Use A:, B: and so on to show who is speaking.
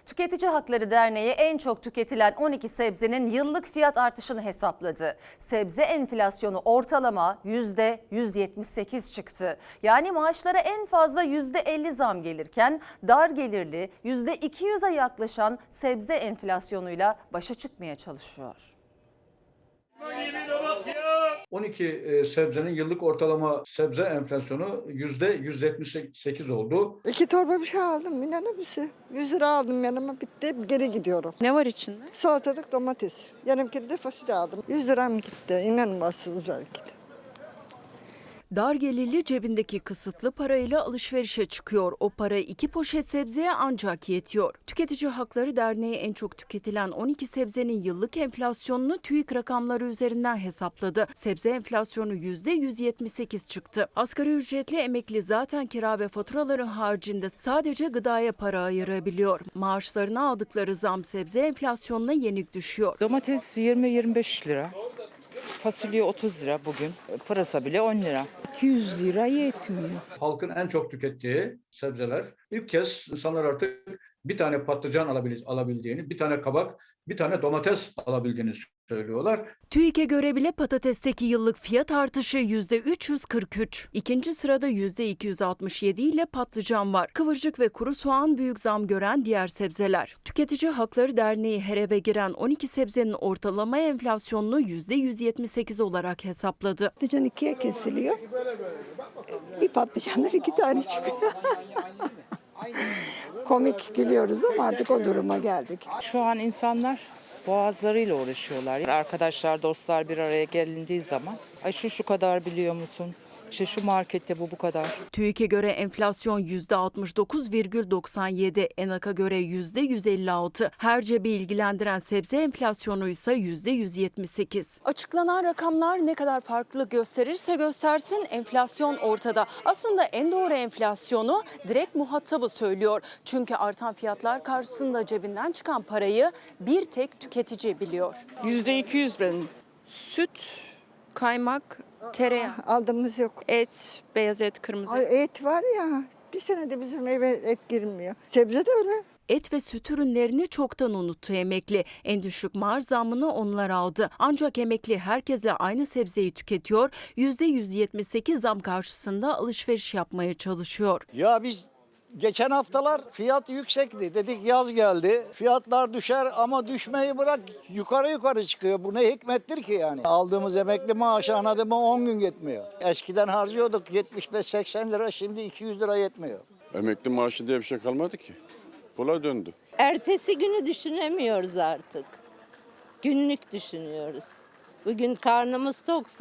A: Tüketici Hakları Derneği en çok tüketilen 12 sebzenin yıllık fiyat artışını hesapladı. Sebze enflasyonu ortalama %178 çıktı. Yani maaşlara en fazla %50 zam gelirken dar gelirli %200'e yaklaşan sebze enflasyonuyla başa çıkmaya çalışıyor.
B: 12 sebzenin yıllık ortalama sebze enflasyonu %178 oldu.
C: 2 torba bir şey aldım, inanır mısın? 100 lira aldım yanıma, bitti, geri gidiyorum.
D: Ne var içinde?
C: Salatalık, domates. Yarım kilo de fasulye aldım. 100 liram gitti, inanılmazsınız belki de.
D: Dar gelirli cebindeki kısıtlı parayla alışverişe çıkıyor. O para 2 poşet sebzeye ancak yetiyor. Tüketici Hakları Derneği en çok tüketilen 12 sebzenin yıllık enflasyonunu TÜİK rakamları üzerinden hesapladı. Sebze enflasyonu %178 çıktı. Asgari ücretli emekli zaten kira ve faturaların haricinde sadece gıdaya para ayırabiliyor. Maaşlarına aldıkları zam sebze enflasyonuna yenik düşüyor.
E: Domates 20-25 lira. Fasulye 30 lira bugün. Pırasa bile 10 lira.
F: 200 lira yetmiyor.
B: Halkın en çok tükettiği sebzeler. İlk kez insanlar artık bir tane patlıcan alabildiğini, bir tane kabak, bir tane domates alabildiğini söylüyorlar.
D: TÜİK'e göre bile patatesteki yıllık fiyat artışı %343. İkinci sırada %267 ile patlıcan var. Kıvırcık ve kuru soğan büyük zam gören diğer sebzeler. Tüketici Hakları Derneği her eve giren 12 sebzenin ortalama enflasyonunu %178 olarak hesapladı.
F: Patlıcan ikiye kesiliyor. Bir patlıcanlar 2 tane çıkıyor. Komik gülüyoruz ama artık o duruma geldik.
E: Şu an insanlar boğazlarıyla uğraşıyorlar. Arkadaşlar, dostlar bir araya gelindiği zaman ay şu kadar biliyor musun? İşte şu markette bu kadar.
D: TÜİK'e göre enflasyon %69,97, ENAK'a göre %156. Her cebi ilgilendiren sebze enflasyonu ise %178. Açıklanan rakamlar ne kadar farklılık gösterirse göstersin enflasyon ortada. Aslında en doğru enflasyonu direkt muhatabı söylüyor. Çünkü artan fiyatlar karşısında cebinden çıkan parayı bir tek tüketici biliyor.
E: %200 benim.
D: Süt, kaymak, tereyağı,
F: Aldığımız yok.
D: et, beyaz et, kırmızı et.
C: Ay, et var ya, bir senede bizim eve et girmiyor. Sebze de öyle.
D: Et ve süt ürünlerini çoktan unuttu emekli. En düşük maaş zammını onlar aldı. Ancak emekli herkesle aynı sebzeyi tüketiyor. %178 zam karşısında alışveriş yapmaya çalışıyor.
G: Ya biz geçen haftalar fiyat yüksekti. Dedik yaz geldi. Fiyatlar düşer ama düşmeyi bırak yukarı çıkıyor. Bu ne hikmettir ki yani? Aldığımız emekli maaşı anladın mı 10 gün yetmiyor. Eskiden harcıyorduk 75-80 lira, şimdi 200 lira yetmiyor.
H: Emekli maaşı diye bir şey kalmadı ki. Pula döndü.
I: Ertesi günü düşünemiyoruz artık. Günlük düşünüyoruz. Bugün karnımız toksa